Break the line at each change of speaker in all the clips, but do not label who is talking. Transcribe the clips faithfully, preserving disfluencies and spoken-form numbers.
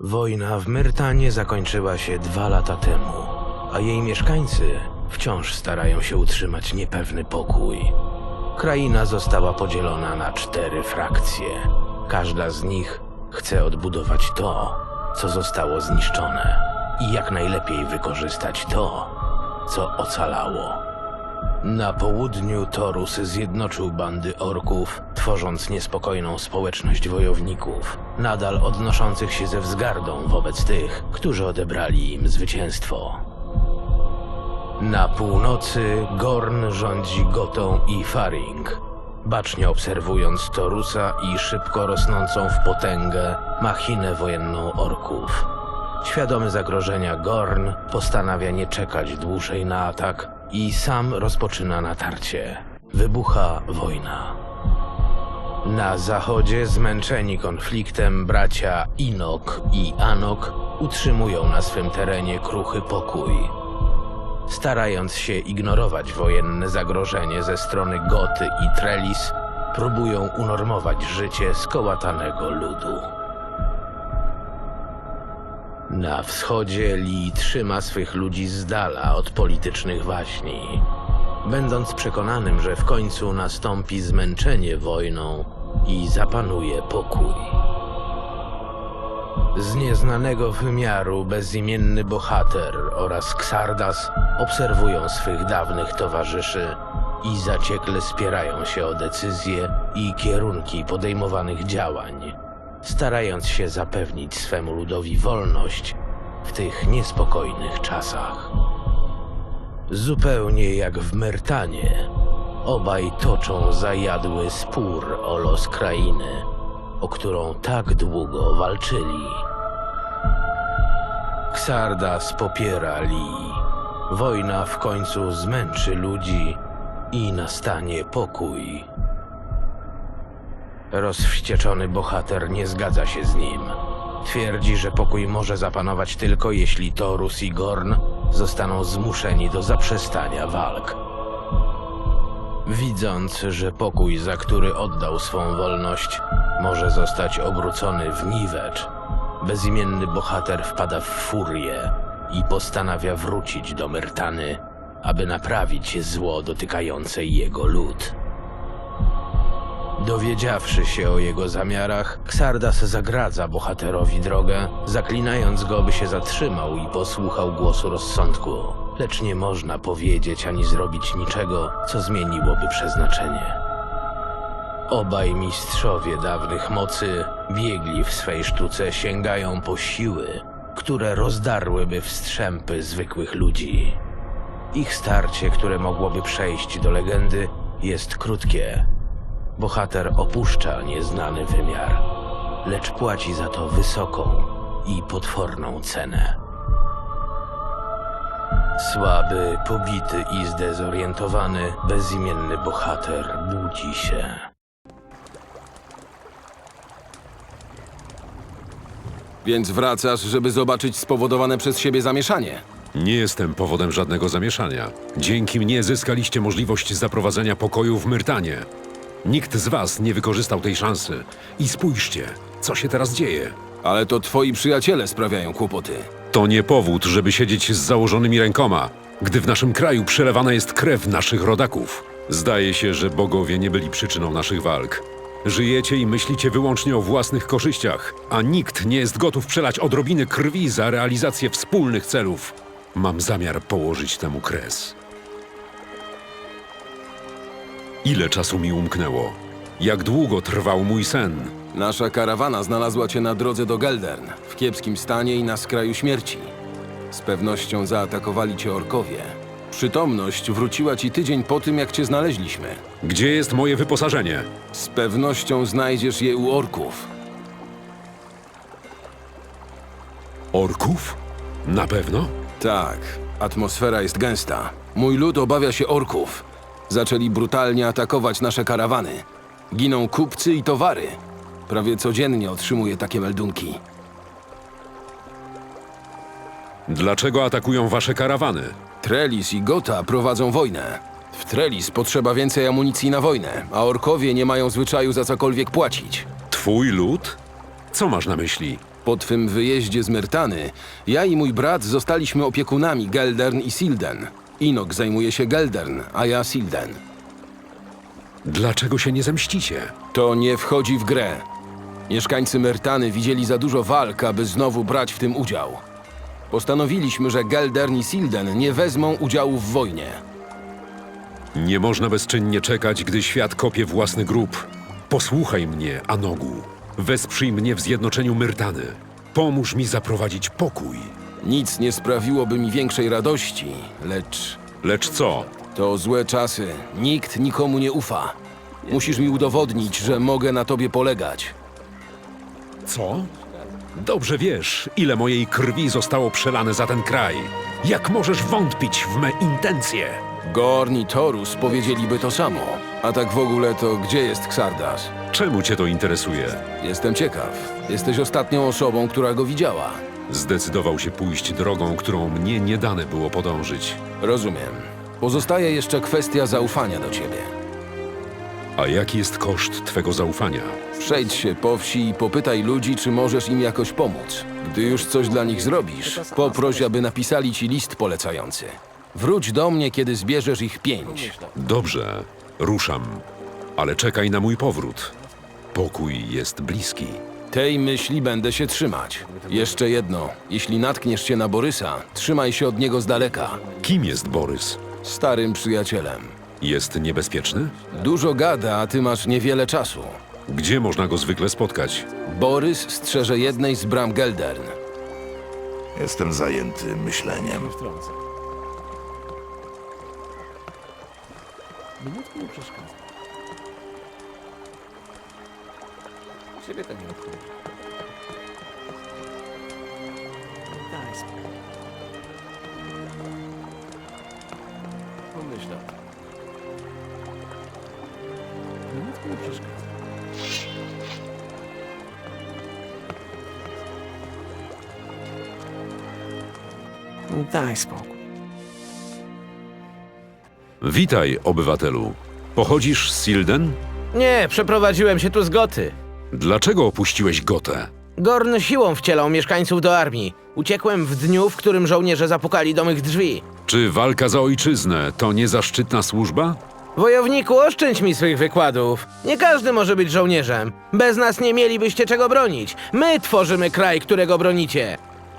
Wojna w Myrtanie zakończyła się dwa lata temu, a jej mieszkańcy wciąż starają się utrzymać niepewny pokój. Kraina została podzielona na cztery frakcje. Każda z nich chce odbudować to, co zostało zniszczone i jak najlepiej wykorzystać to, co ocalało. Na południu Torus zjednoczył bandy orków, tworząc niespokojną społeczność wojowników, nadal odnoszących się ze wzgardą wobec tych, którzy odebrali im zwycięstwo. Na północy Gorn rządzi Gotą i Faring, bacznie obserwując Torusa i szybko rosnącą w potęgę machinę wojenną orków. Świadomy zagrożenia, Gorn postanawia nie czekać dłużej na atak i sam rozpoczyna natarcie. Wybucha wojna. Na zachodzie, zmęczeni konfliktem, bracia Inok i Anok utrzymują na swym terenie kruchy pokój. Starając się ignorować wojenne zagrożenie ze strony Goty i Trellis, próbują unormować życie skołatanego ludu. Na wschodzie Lee trzyma swych ludzi z dala od politycznych waśni, będąc przekonanym, że w końcu nastąpi zmęczenie wojną i zapanuje pokój. Z nieznanego wymiaru bezimienny bohater oraz Xardas obserwują swych dawnych towarzyszy i zaciekle spierają się o decyzje i kierunki podejmowanych działań, starając się zapewnić swemu ludowi wolność w tych niespokojnych czasach. Zupełnie jak w Myrtanie, obaj toczą zajadły spór o los krainy, o którą tak długo walczyli. Xardas popiera Lee. Wojna w końcu zmęczy ludzi i nastanie pokój. Rozwścieczony bohater nie zgadza się z nim. Twierdzi, że pokój może zapanować tylko jeśli Torus i Gorn zostaną zmuszeni do zaprzestania walk. Widząc, że pokój, za który oddał swą wolność, może zostać obrócony w niwecz, bezimienny bohater wpada w furię i postanawia wrócić do Myrtany, aby naprawić zło dotykające jego lud. Dowiedziawszy się o jego zamiarach, Xardas zagradza bohaterowi drogę, zaklinając go, by się zatrzymał i posłuchał głosu rozsądku. Lecz nie można powiedzieć ani zrobić niczego, co zmieniłoby przeznaczenie. Obaj mistrzowie dawnych mocy, biegli w swej sztuce, sięgają po siły, które rozdarłyby w strzępy zwykłych ludzi. Ich starcie, które mogłoby przejść do legendy, jest krótkie. Bohater opuszcza nieznany wymiar, lecz płaci za to wysoką i potworną cenę. Słaby, pobity i zdezorientowany, bezimienny bohater budzi się.
Więc wracasz, żeby zobaczyć spowodowane przez siebie zamieszanie.
Nie jestem powodem żadnego zamieszania. Dzięki mnie zyskaliście możliwość zaprowadzenia pokoju w Myrtanie. Nikt z was nie wykorzystał tej szansy. I spójrzcie, co się teraz dzieje.
Ale to twoi przyjaciele sprawiają kłopoty.
To nie powód, żeby siedzieć z założonymi rękoma, gdy w naszym kraju przelewana jest krew naszych rodaków. Zdaje się, że bogowie nie byli przyczyną naszych walk. Żyjecie i myślicie wyłącznie o własnych korzyściach, a nikt nie jest gotów przelać odrobiny krwi za realizację wspólnych celów. Mam zamiar położyć temu kres. Ile czasu mi umknęło? Jak długo trwał mój sen?
Nasza karawana znalazła cię na drodze do Geldern, w kiepskim stanie i na skraju śmierci. Z pewnością zaatakowali cię orkowie. Przytomność wróciła ci tydzień po tym, jak cię znaleźliśmy.
Gdzie jest moje wyposażenie?
Z pewnością znajdziesz je u orków.
Orków? Na pewno?
Tak, atmosfera jest gęsta. Mój lud obawia się orków. Zaczęli brutalnie atakować nasze karawany. Giną kupcy i towary. Prawie codziennie otrzymuję takie meldunki.
Dlaczego atakują wasze karawany?
Trellis i Gota prowadzą wojnę. W Trellis potrzeba więcej amunicji na wojnę, a orkowie nie mają zwyczaju za cokolwiek płacić.
Twój lud? Co masz na myśli?
Po twym wyjeździe z Myrtany, ja i mój brat zostaliśmy opiekunami Geldern i Silden. Inok zajmuje się Geldern, a ja Silden.
Dlaczego się nie zemścicie?
To nie wchodzi w grę. Mieszkańcy Myrtany widzieli za dużo walk, aby znowu brać w tym udział. Postanowiliśmy, że Geldern i Silden nie wezmą udziału w wojnie.
Nie można bezczynnie czekać, gdy świat kopie własny grób. Posłuchaj mnie, Anogu. Wesprzyj mnie w zjednoczeniu Myrtany. Pomóż mi zaprowadzić pokój.
Nic nie sprawiłoby mi większej radości, lecz
Lecz co?
to złe czasy. Nikt nikomu nie ufa. Musisz mi udowodnić, że mogę na tobie polegać.
Co? Dobrze wiesz, ile mojej krwi zostało przelane za ten kraj. Jak możesz wątpić w me intencje?
Gorn i Torus powiedzieliby to samo. A tak w ogóle to gdzie jest Xardas?
Czemu cię to interesuje?
Jestem ciekaw. Jesteś ostatnią osobą, która go widziała.
Zdecydował się pójść drogą, którą mnie nie dane było podążyć.
Rozumiem. Pozostaje jeszcze kwestia zaufania do ciebie.
A jaki jest koszt twego zaufania?
Przejdź się po wsi i popytaj ludzi, czy możesz im jakoś pomóc. Gdy już coś dla nich zrobisz, poproś, aby napisali ci list polecający. Wróć do mnie, kiedy zbierzesz ich pięć.
Dobrze, ruszam, ale czekaj na mój powrót. Pokój jest bliski.
Tej myśli będę się trzymać. Jeszcze jedno. Jeśli natkniesz się na Borysa, trzymaj się od niego z daleka.
Kim jest Borys?
Starym przyjacielem.
Jest niebezpieczny?
Dużo gada, a ty masz niewiele czasu.
Gdzie można go zwykle spotkać?
Borys strzeże jednej z bram Geldern.
Jestem zajęty myśleniem.
Minutku nie przeszkadza. Ciebie to nie obchodzi. Daj spokój. Pomyśl o tym. Minutku nie przeszkadza. No daj spokój.
Witaj, obywatelu. Pochodzisz z Silden?
Nie, przeprowadziłem się tu z Goty.
Dlaczego opuściłeś Gotę?
Gorn siłą wcielał mieszkańców do armii. Uciekłem w dniu, w którym żołnierze zapukali do mych drzwi.
Czy walka za ojczyznę to niezaszczytna służba?
Wojowniku, oszczędź mi swych wykładów. Nie każdy może być żołnierzem. Bez nas nie mielibyście czego bronić. My tworzymy kraj, którego bronicie.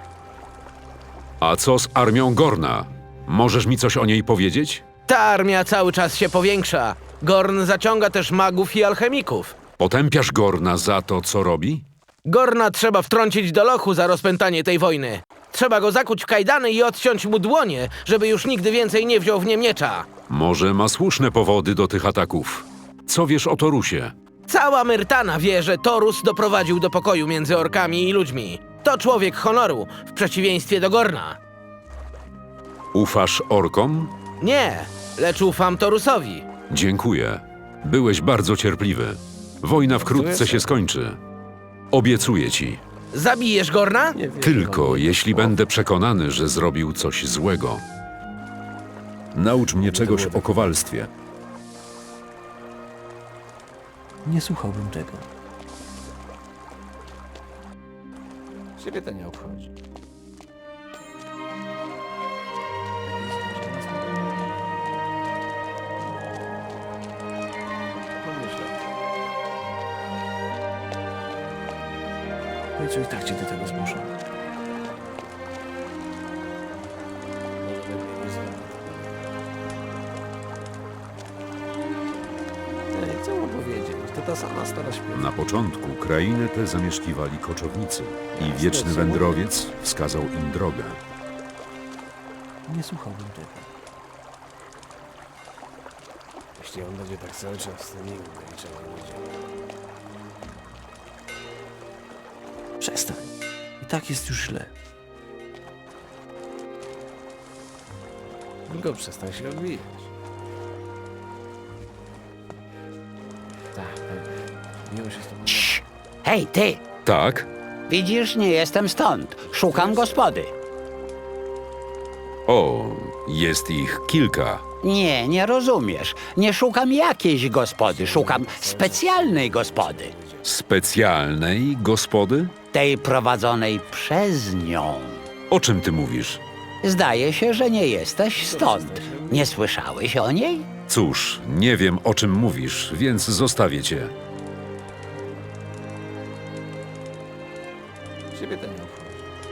A co z armią Gorna? Możesz mi coś o niej powiedzieć?
Ta armia cały czas się powiększa. Gorn zaciąga też magów i alchemików.
Potępiasz Gorna za to, co robi?
Gorna trzeba wtrącić do lochu za rozpętanie tej wojny. Trzeba go zakuć w kajdany i odciąć mu dłonie, żeby już nigdy więcej nie wziął w nie miecza.
Może ma słuszne powody do tych ataków. Co wiesz o Torusie?
Cała Myrtana wie, że Torus doprowadził do pokoju między orkami i ludźmi. To człowiek honoru, w przeciwieństwie do Gorna.
Ufasz orkom?
Nie, lecz ufam Torusowi.
Dziękuję. Byłeś bardzo cierpliwy. Wojna wkrótce się skończy. Obiecuję ci.
Zabijesz Gorna?
Tylko jeśli będę przekonany, że zrobił coś złego. Naucz mnie czegoś o kowalstwie.
Nie słuchałbym tego. Ciebie to nie obchodzi. Pomyśl o tym. No i co, i tak cię do tego zmuszą. Może lepiej nie zwalać. Ej, co mu powiedzieć? To ta sama stara śpiewa.
Na początku krainę tę zamieszkiwali koczownicy i wieczny wędrowiec wskazał im drogę.
Nie słuchałbym tego. Jeśli on będzie tak cały czas, to nigdy niczego nie będzie. Przestań. I tak jest już źle. Tylko przestań się odbijać. Tak, pewnie. Miło się z tobą.
Hej, ty!
Tak?
Widzisz, nie jestem stąd. Szukam gospody.
O, jest ich kilka.
Nie, nie rozumiesz. Nie szukam jakiejś gospody, szukam specjalnej gospody.
Specjalnej gospody?
tej prowadzonej przez nią.
O czym ty mówisz?
Zdaje się, że nie jesteś stąd. Nie słyszałeś o niej?
Cóż, nie wiem o czym mówisz, więc zostawię cię.
Ciebie to nie obchodzi.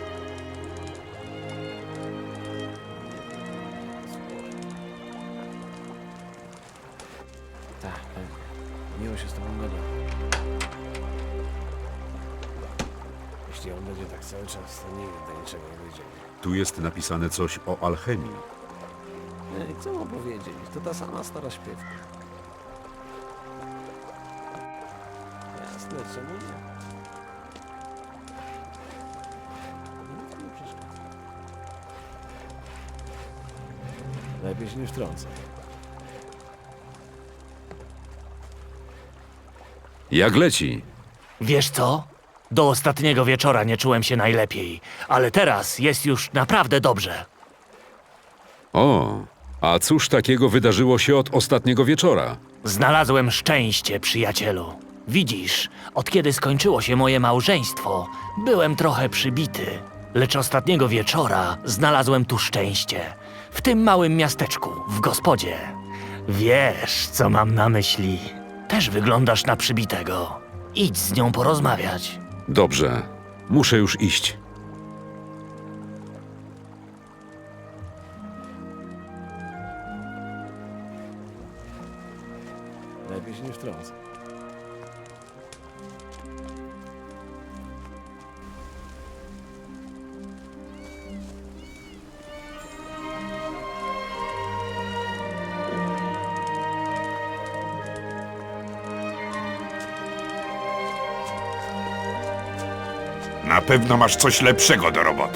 Tak, pewnie. Miło się z tobą gada. Jeśli on będzie tak cały czas, to nigdy do niczego nie dojdziemy.
Tu jest napisane coś o alchemii.
Ej, co mam powiedzieć? To ta sama stara śpiewka. Jasne, czemu nie? Nic mi nie przeszkadza. Lepiej się nie wtrącę.
Jak leci?
Wiesz co? Do ostatniego wieczora nie czułem się najlepiej, ale teraz jest już naprawdę dobrze.
O, a cóż takiego wydarzyło się od ostatniego wieczora?
Znalazłem szczęście, przyjacielu. Widzisz, od kiedy skończyło się moje małżeństwo, byłem trochę przybity. Lecz ostatniego wieczora znalazłem tu szczęście. W tym małym miasteczku, w gospodzie. Wiesz, co mam na myśli. Też wyglądasz na przybitego. Idź z nią porozmawiać.
Dobrze, muszę już iść.
Lepiej się nie wtrącę.
Na pewno masz coś lepszego do roboty.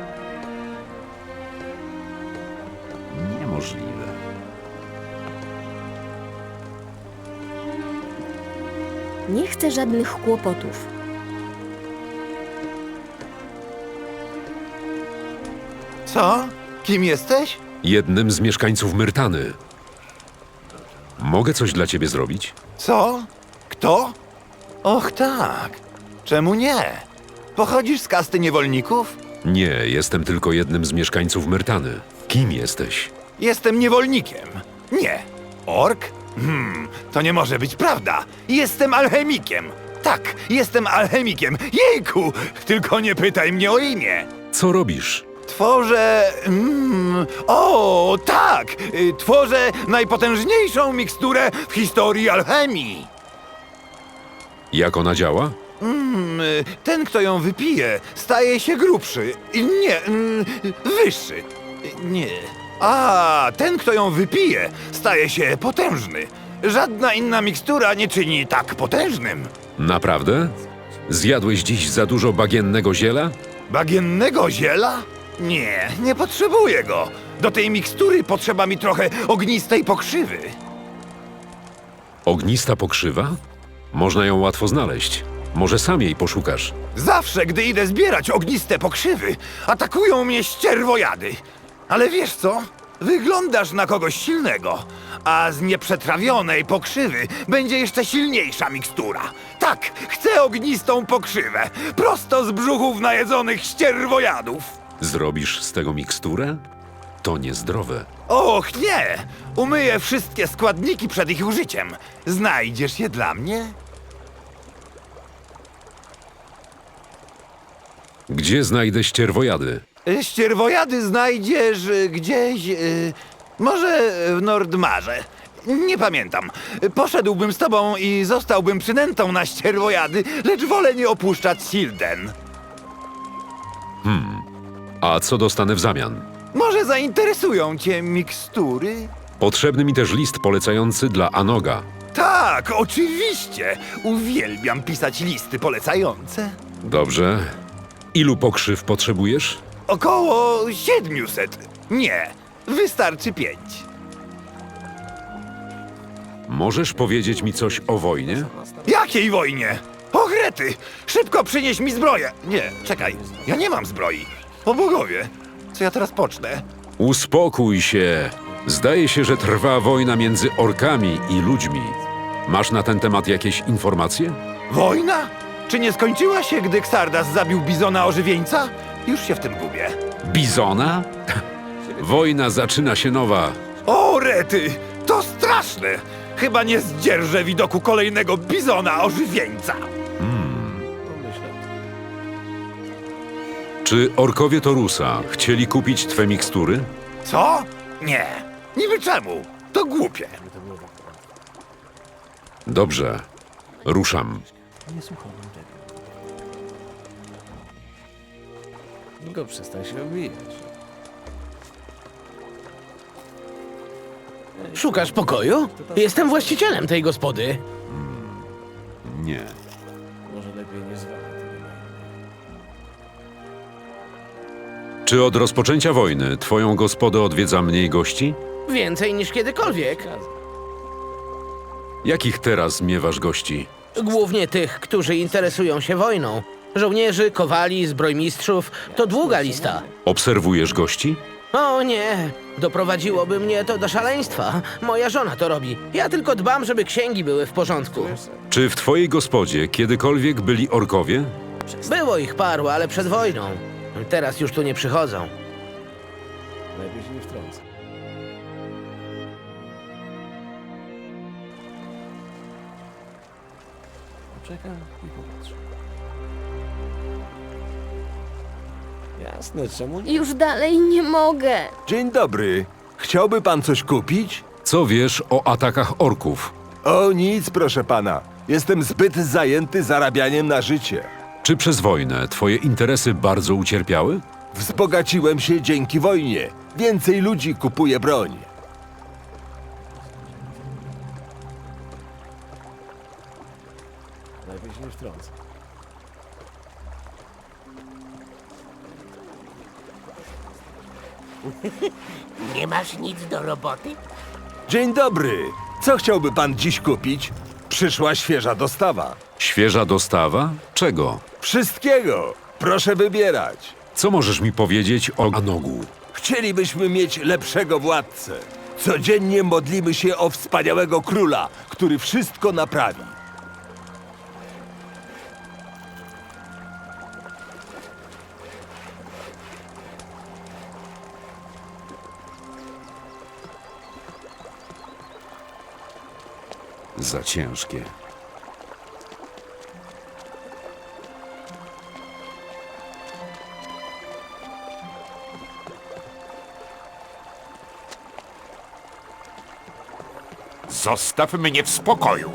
Niemożliwe.
Nie chcę żadnych kłopotów.
Co? Kim jesteś?
Jednym z mieszkańców Myrtany. Mogę coś dla ciebie zrobić?
Co? Kto? Och tak. Czemu nie? Pochodzisz z kasty niewolników?
Nie, jestem tylko jednym z mieszkańców Myrtany. Kim jesteś?
Jestem niewolnikiem. Nie. Ork? Hmm, to nie może być prawda. Jestem alchemikiem. Tak, jestem alchemikiem. Jejku! Tylko nie pytaj mnie o imię.
Co robisz?
Tworzę... Mm, o, tak! Y, Tworzę najpotężniejszą miksturę w historii alchemii.
Jak ona działa?
Mm, y, ten, kto ją wypije, staje się grubszy. Y, Nie, mm, wyższy. Y, Nie. A, ten, kto ją wypije, staje się potężny. Żadna inna mikstura nie czyni tak potężnym.
Naprawdę? Zjadłeś dziś za dużo bagiennego ziela?
Bagiennego ziela? Nie, nie potrzebuję go. Do tej mikstury potrzeba mi trochę ognistej pokrzywy.
Ognista pokrzywa? Można ją łatwo znaleźć. Może sam jej poszukasz.
Zawsze, gdy idę zbierać ogniste pokrzywy, atakują mnie ścierwojady. Ale wiesz co? Wyglądasz na kogoś silnego, a z nieprzetrawionej pokrzywy będzie jeszcze silniejsza mikstura. Tak, chcę ognistą pokrzywę, prosto z brzuchów najedzonych ścierwojadów.
Zrobisz z tego miksturę? To niezdrowe.
Och nie! Umyję wszystkie składniki przed ich użyciem. Znajdziesz je dla mnie?
Gdzie znajdę ścierwojady?
Y, Ścierwojady znajdziesz y, gdzieś... y, może w Nordmarze. Nie pamiętam. Y, Poszedłbym z tobą i zostałbym przynętą na ścierwojady, lecz wolę nie opuszczać Silden.
A co dostanę w zamian?
Może zainteresują cię mikstury?
Potrzebny mi też list polecający dla Anoga.
Tak, oczywiście. Uwielbiam pisać listy polecające.
Dobrze. Ilu pokrzyw potrzebujesz?
Około siedmiuset. Nie, wystarczy pięć.
Możesz powiedzieć mi coś o wojnie?
Jakiej wojnie? O Grety! Szybko przynieś mi zbroję! Nie, czekaj, ja nie mam zbroi. O bogowie, co ja teraz pocznę?
Uspokój się. Zdaje się, że trwa wojna między orkami i ludźmi. Masz na ten temat jakieś informacje?
Wojna? Czy nie skończyła się, gdy Xardas zabił bizona ożywieńca? Już się w tym gubię.
Bizona? Wojna zaczyna się nowa.
O, rety! To straszne! Chyba nie zdzierżę widoku kolejnego bizona ożywieńca.
Myślę.
Czy orkowie Torusa chcieli kupić twe mikstury?
Co? Nie. Niby czemu? To głupie.
To było tak.
Dobrze. Ruszam.
Nie słucham tego. Tylko przestań się obijać.
Szukasz pokoju? Jestem właścicielem tej gospody.
Nie.
Może lepiej nie zwalaj tego na innych.
Czy od rozpoczęcia wojny twoją gospodę odwiedza mniej gości?
Więcej niż kiedykolwiek.
Jakich teraz miewasz gości?
Głównie tych, którzy interesują się wojną. Żołnierzy, kowali, zbrojmistrzów. To długa lista.
Obserwujesz gości?
O nie, doprowadziłoby mnie to do szaleństwa. Moja żona to robi. Ja tylko dbam, żeby księgi były w porządku.
Czy w twojej gospodzie kiedykolwiek byli orkowie?
Było ich paru, ale przed wojną. Teraz już tu nie przychodzą.
Lepiej się nie wtrącę. Poczekam i popatrzę. Jasne, czemu nie?
Już dalej nie mogę.
Dzień dobry. Chciałby pan coś kupić?
Co wiesz o atakach orków?
O nic, proszę pana. Jestem zbyt zajęty zarabianiem na życie.
Czy przez wojnę twoje interesy bardzo ucierpiały?
Wzbogaciłem się dzięki wojnie. Więcej ludzi kupuje broń.
Lepiej się nie wtrącę.
Nie masz nic do roboty?
Dzień dobry. Co chciałby pan dziś kupić? Przyszła świeża dostawa.
Świeża dostawa? Czego?
Wszystkiego. Proszę wybierać.
Co możesz mi powiedzieć o Anogu?
Chcielibyśmy mieć lepszego władcę. Codziennie modlimy się o wspaniałego króla, który wszystko naprawi.
Za ciężkie.
Zostaw mnie w spokoju.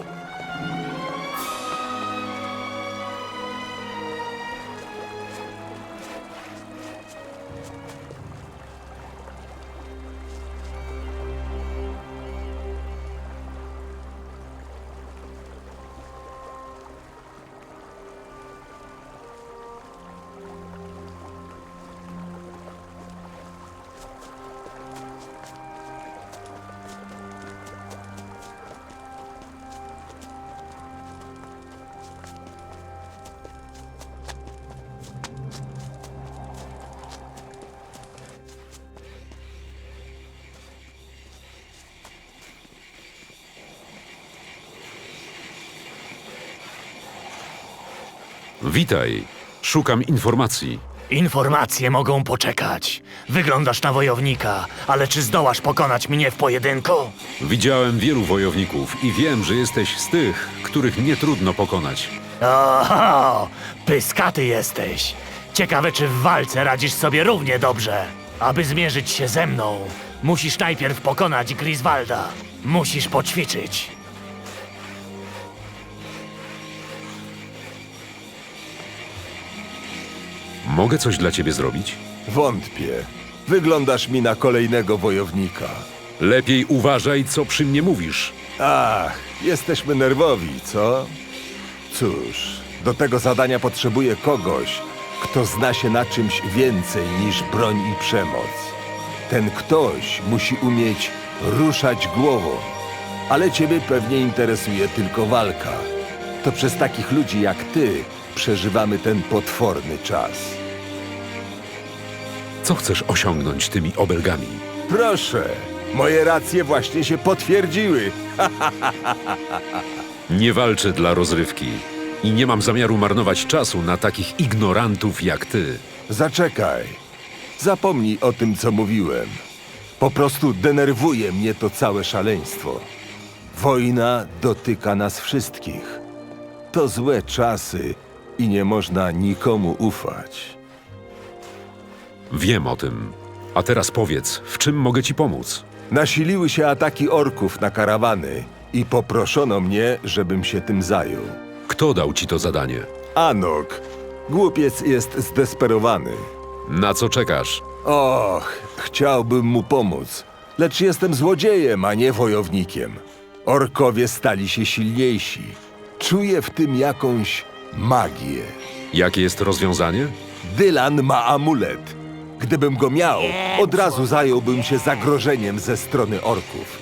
Witaj. Szukam informacji.
Informacje mogą poczekać. Wyglądasz na wojownika, ale czy zdołasz pokonać mnie w pojedynku?
Widziałem wielu wojowników i wiem, że jesteś z tych, których nie trudno pokonać.
Oho, pyskaty jesteś. Ciekawe, czy w walce radzisz sobie równie dobrze. Aby zmierzyć się ze mną, musisz najpierw pokonać Griswalda. Musisz poćwiczyć.
Mogę coś dla ciebie zrobić?
Wątpię. Wyglądasz mi na kolejnego wojownika.
Lepiej uważaj, co przy mnie mówisz.
Ach, jesteśmy nerwowi, co? Cóż, do tego zadania potrzebuję kogoś, kto zna się na czymś więcej niż broń i przemoc. Ten ktoś musi umieć ruszać głową, ale ciebie pewnie interesuje tylko walka. To przez takich ludzi jak ty przeżywamy ten potworny czas.
Co chcesz osiągnąć tymi obelgami?
Proszę, moje racje właśnie się potwierdziły.
Nie walczę dla rozrywki. I nie mam zamiaru marnować czasu na takich ignorantów jak ty.
Zaczekaj. Zapomnij o tym, co mówiłem. Po prostu denerwuje mnie to całe szaleństwo. Wojna dotyka nas wszystkich. To złe czasy i nie można nikomu ufać.
Wiem o tym. A teraz powiedz, w czym mogę ci pomóc?
Nasiliły się ataki orków na karawany i poproszono mnie, żebym się tym zajął.
Kto dał ci to zadanie?
Anok, głupiec jest zdesperowany.
Na co czekasz?
Och, chciałbym mu pomóc, lecz jestem złodziejem, a nie wojownikiem. Orkowie stali się silniejsi. Czuję w tym jakąś magię.
Jakie jest rozwiązanie?
Dylan ma amulet. Gdybym go miał, od razu zająłbym się zagrożeniem ze strony orków.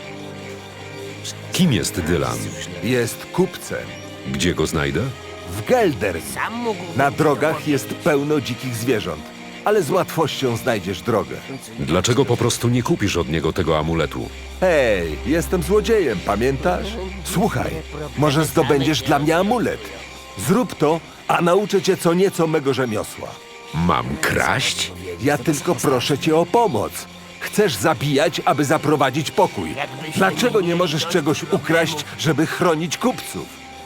Kim jest Dylan?
Jest kupcem.
Gdzie go znajdę?
W Geldern. Na drogach jest pełno dzikich zwierząt, ale z łatwością znajdziesz drogę.
Dlaczego po prostu nie kupisz od niego tego amuletu?
Hej, jestem złodziejem, pamiętasz? Słuchaj, może zdobędziesz dla mnie amulet. Zrób to, a nauczę cię co nieco mego rzemiosła.
Mam kraść?
Ja tylko proszę cię o pomoc. Chcesz zabijać, aby zaprowadzić pokój. Dlaczego nie możesz czegoś ukraść, żeby chronić kupców?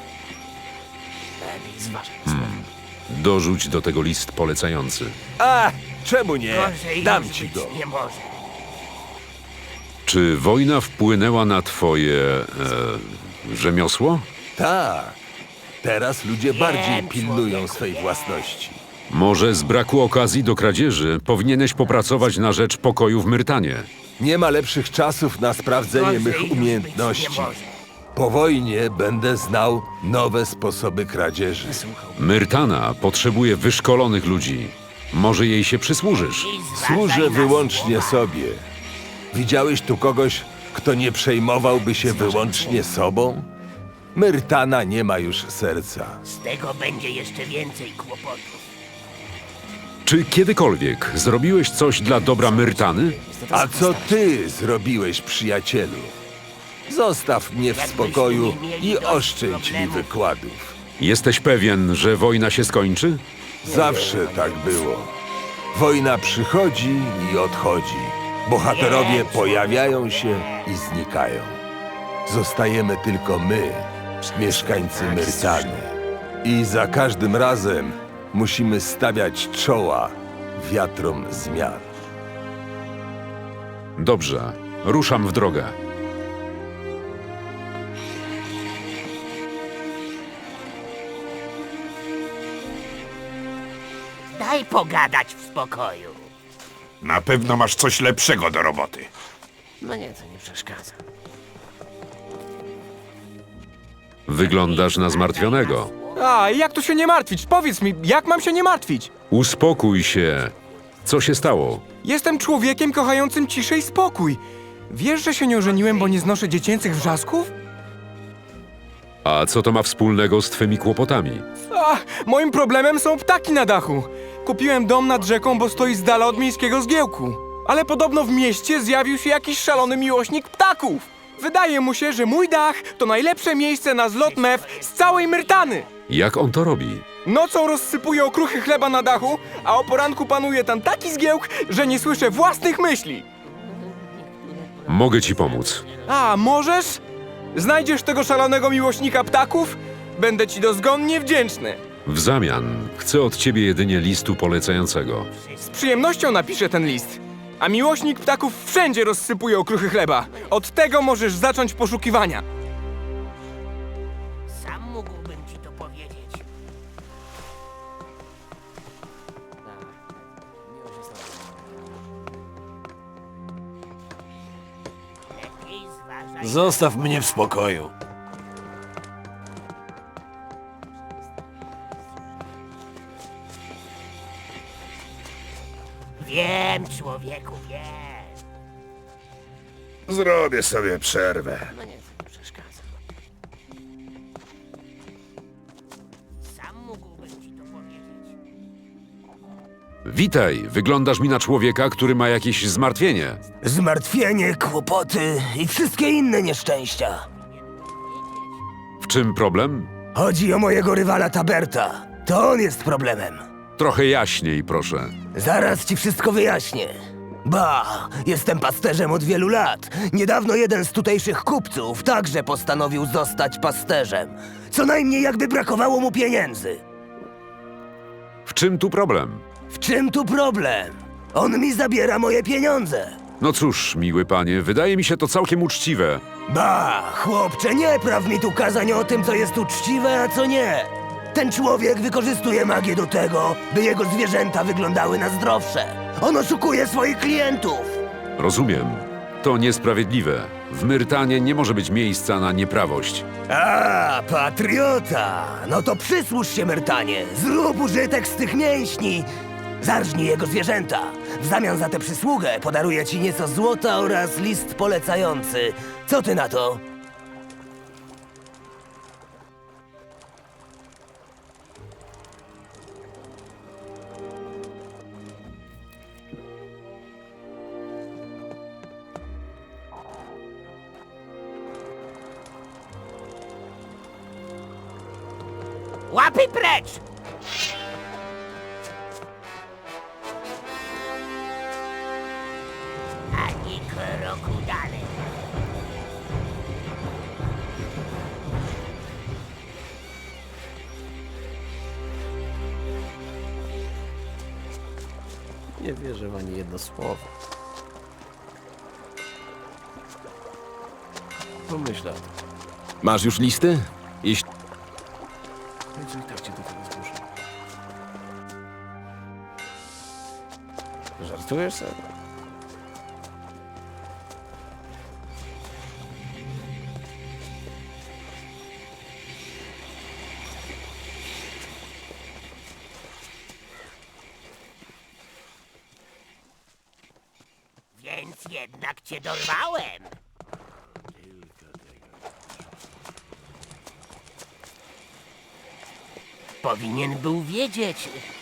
Dorzuć do tego list polecający.
A, czemu nie? Dam ci go.
Czy wojna wpłynęła na twoje e, rzemiosło?
Tak. Teraz ludzie bardziej pilnują swej własności.
Może z braku okazji do kradzieży powinieneś popracować na rzecz pokoju w Myrtanie.
Nie ma lepszych czasów na sprawdzenie mych umiejętności. Po wojnie będę znał nowe sposoby kradzieży.
Myrtana potrzebuje wyszkolonych ludzi. Może jej się przysłużysz.
Służę wyłącznie sobie. Widziałeś tu kogoś, kto nie przejmowałby się wyłącznie sobą? Myrtana nie ma już serca.
Z tego będzie jeszcze więcej kłopotów.
Czy kiedykolwiek zrobiłeś coś dla dobra Myrtany?
A co ty zrobiłeś, przyjacielu? Zostaw mnie w spokoju i oszczędź mi wykładów.
Jesteś pewien, że wojna się skończy?
Zawsze tak było. Wojna przychodzi i odchodzi. Bohaterowie pojawiają się i znikają. Zostajemy tylko my, mieszkańcy Myrtany. I za każdym razem musimy stawiać czoła wiatrom zmian.
Dobrze, ruszam w drogę.
Daj pogadać w spokoju.
Na pewno masz coś lepszego do roboty.
No nie, to nie przeszkadza.
Wyglądasz na zmartwionego.
A, jak tu się nie martwić? Powiedz mi, jak mam się nie martwić?
Uspokój się. Co się stało?
Jestem człowiekiem kochającym ciszę i spokój. Wiesz, że się nie ożeniłem, bo nie znoszę dziecięcych wrzasków?
A co to ma wspólnego z twymi kłopotami?
A, moim problemem są ptaki na dachu. Kupiłem dom nad rzeką, bo stoi z dala od miejskiego zgiełku. Ale podobno w mieście zjawił się jakiś szalony miłośnik ptaków. Wydaje mu się, że mój dach to najlepsze miejsce na zlot mew z całej Myrtany.
Jak on to robi?
Nocą rozsypuje okruchy chleba na dachu, a o poranku panuje tam taki zgiełk, że nie słyszę własnych myśli.
Mogę ci pomóc.
A, możesz? Znajdziesz tego szalonego miłośnika ptaków? Będę ci dozgonnie wdzięczny.
W zamian chcę od ciebie jedynie listu polecającego.
Z przyjemnością napiszę ten list. A miłośnik ptaków wszędzie rozsypuje okruchy chleba. Od tego możesz zacząć poszukiwania.
Sam mógłbym ci to powiedzieć. Lepiej zważaj.
Zostaw mnie w spokoju.
Wiem, człowieku, wiem.
Zrobię sobie przerwę.
No nie, to nie przeszkadza.
Sam mógłbym ci to powiedzieć.
Witaj, wyglądasz mi na człowieka, który ma jakieś zmartwienie.
Zmartwienie, kłopoty i wszystkie inne nieszczęścia.
W czym problem?
Chodzi o mojego rywala Taberta. To on jest problemem.
Trochę jaśniej, proszę.
Zaraz ci wszystko wyjaśnię. Ba, jestem pasterzem od wielu lat. Niedawno jeden z tutejszych kupców także postanowił zostać pasterzem. Co najmniej jakby brakowało mu pieniędzy.
W czym tu problem?
W czym tu problem? On mi zabiera moje pieniądze.
No cóż, miły panie, wydaje mi się to całkiem uczciwe.
Ba, chłopcze, nie praw mi tu kazań o tym, co jest uczciwe, a co nie. Ten człowiek wykorzystuje magię do tego, by jego zwierzęta wyglądały na zdrowsze. On oszukuje swoich klientów.
Rozumiem. To niesprawiedliwe. W Myrtanie nie może być miejsca na nieprawość.
A, patriota! No to przysłuż się, Myrtanie. Zrób użytek z tych mięśni. Zarżnij jego zwierzęta. W zamian za tę przysługę podaruję ci nieco złota oraz list polecający. Co ty na to?
Łapy precz! Ani kroku dalej.
Nie wierzę w ani jedno słowo. Pomyśl o tym.
Masz już listy? Jeśli...
No co i tak cię do tego zmuszę. Żartujesz sobie?
Więc jednak cię dorwałem. Powinien był wiedzieć,